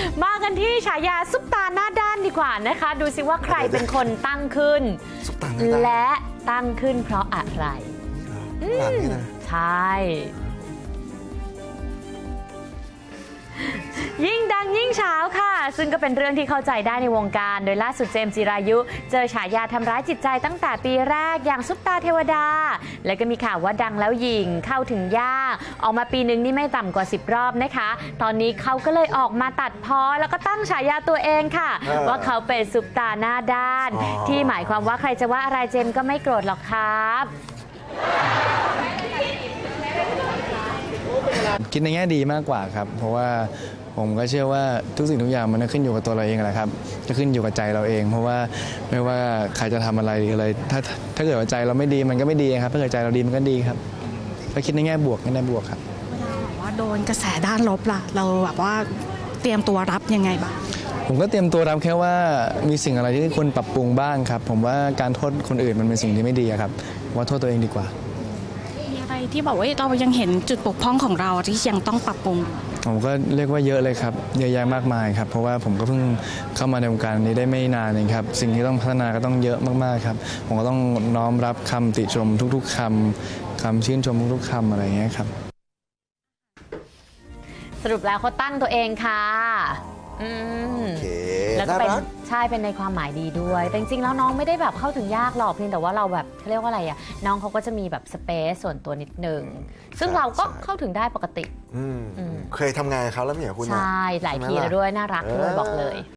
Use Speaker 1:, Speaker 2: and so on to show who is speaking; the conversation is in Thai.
Speaker 1: มากันที่ฉายาซุปตาหน้าด้านดีกว่านะคะ ดูสิว่าใครเป็นคนตั้งขึ้น
Speaker 2: ซุปตาหน้าด้าน
Speaker 1: และตั้งขึ้นเพราะอะไร
Speaker 2: หลังนี่นะ
Speaker 1: ใช่ ยิ่งดังยิ่งเช้าค่ะ ซึ่งก็เป็นเรื่องที่เข้าใจได้ในวงการ โดยล่าสุดเจมส์จิรายุ เจอฉายาทำร้ายจิตใจตั้งแต่ปีแรกอย่างซุปตาเทวดา และก็มีข่าวว่าดังแล้วหยิ่งเข้าถึงยากออกมาปีนึงนี่ไม่ต่ำกว่า10 รอบนะคะ ตอนนี้เขาก็เลยออกมาตัดพ้อแล้วก็ตั้งฉายาตัวเองค่ะ ว่าเขาเป็นซุปตาหน้าด้าน ที่หมายความว่าใครจะว่าอะไรเจมส์ก็ไม่โกรธหรอกครับ
Speaker 3: คิดในแง่ดีมากกว่าครับเพราะว่าผมก็เชื่อว่าทุกสิ่งทุกอย่างมันขึ้นอยู่กับตัวเราเองแหละครับจะขึ้นอยู่กับใจเราเอง เพราะว่าไม่ว่าใครจะทำอะไรอะไรถ้าเกิดว่าใจเราไม่ดีมันก็ไม่ดีครับถ้าเกิดใจเราดีมันก็ดีครับก็คิดในแง่บวกครับ
Speaker 4: แบบว่าโดนกระแสด้านลบล่ะเราแบบว่าเตรียมตัวรับยังไงบ้าง
Speaker 3: ผมก็เตรียมตัวรับแค่ว่ามีสิ่งอะไรที่ควรปรับปรุงบ้างครับผมว่าการโทษคนอื่นมันเป็นสิ่งที่ไม่ดีครับว่าโทษตัวเองดีกว่า
Speaker 4: มีอะไรที่บอกว่าเรายังเห็นจุดบกพร่องของเราที่ยังต้องปรับปรุง
Speaker 3: ผมก็เรียกว่าเยอะเลยครับเยอะแยะมากมายครับเพราะว่าผมก็เพิ่งเข้ามาในวงการนี้ได้ไม่นานเองครับสิ่งที่ต้องพัฒนาก็ต้องเยอะมากๆครับผมก็ต้องน้อมรับคำติชมทุกๆคำชื่นชมทุกๆคำอะไรอย่างเงี้ยครับ
Speaker 1: สรุปแล้วเขาตั้งตัวเองค่ะอืม
Speaker 2: โอเค
Speaker 1: แล้วก็
Speaker 2: น่า
Speaker 1: เป็น
Speaker 2: รัก
Speaker 1: ใช่เป็นในความหมายดีด้วย แต่จริงๆแล้วน้องไม่ได้แบบเข้าถึงยากหรอกเพียงแต่ว่าเราแบบเขาเรียกว่าอะไรอ่ะน้องเขาก็จะมีแบบสเปซส่วนตัวนิดนึงซึ่งเราก็เข้าถึงได้ปกติ
Speaker 2: เคยทำงานกับเขาแล้วไม่เหรอคุณ
Speaker 1: ใช่หลายทีแล้วด้วยน่ารักด้วยบอกเลย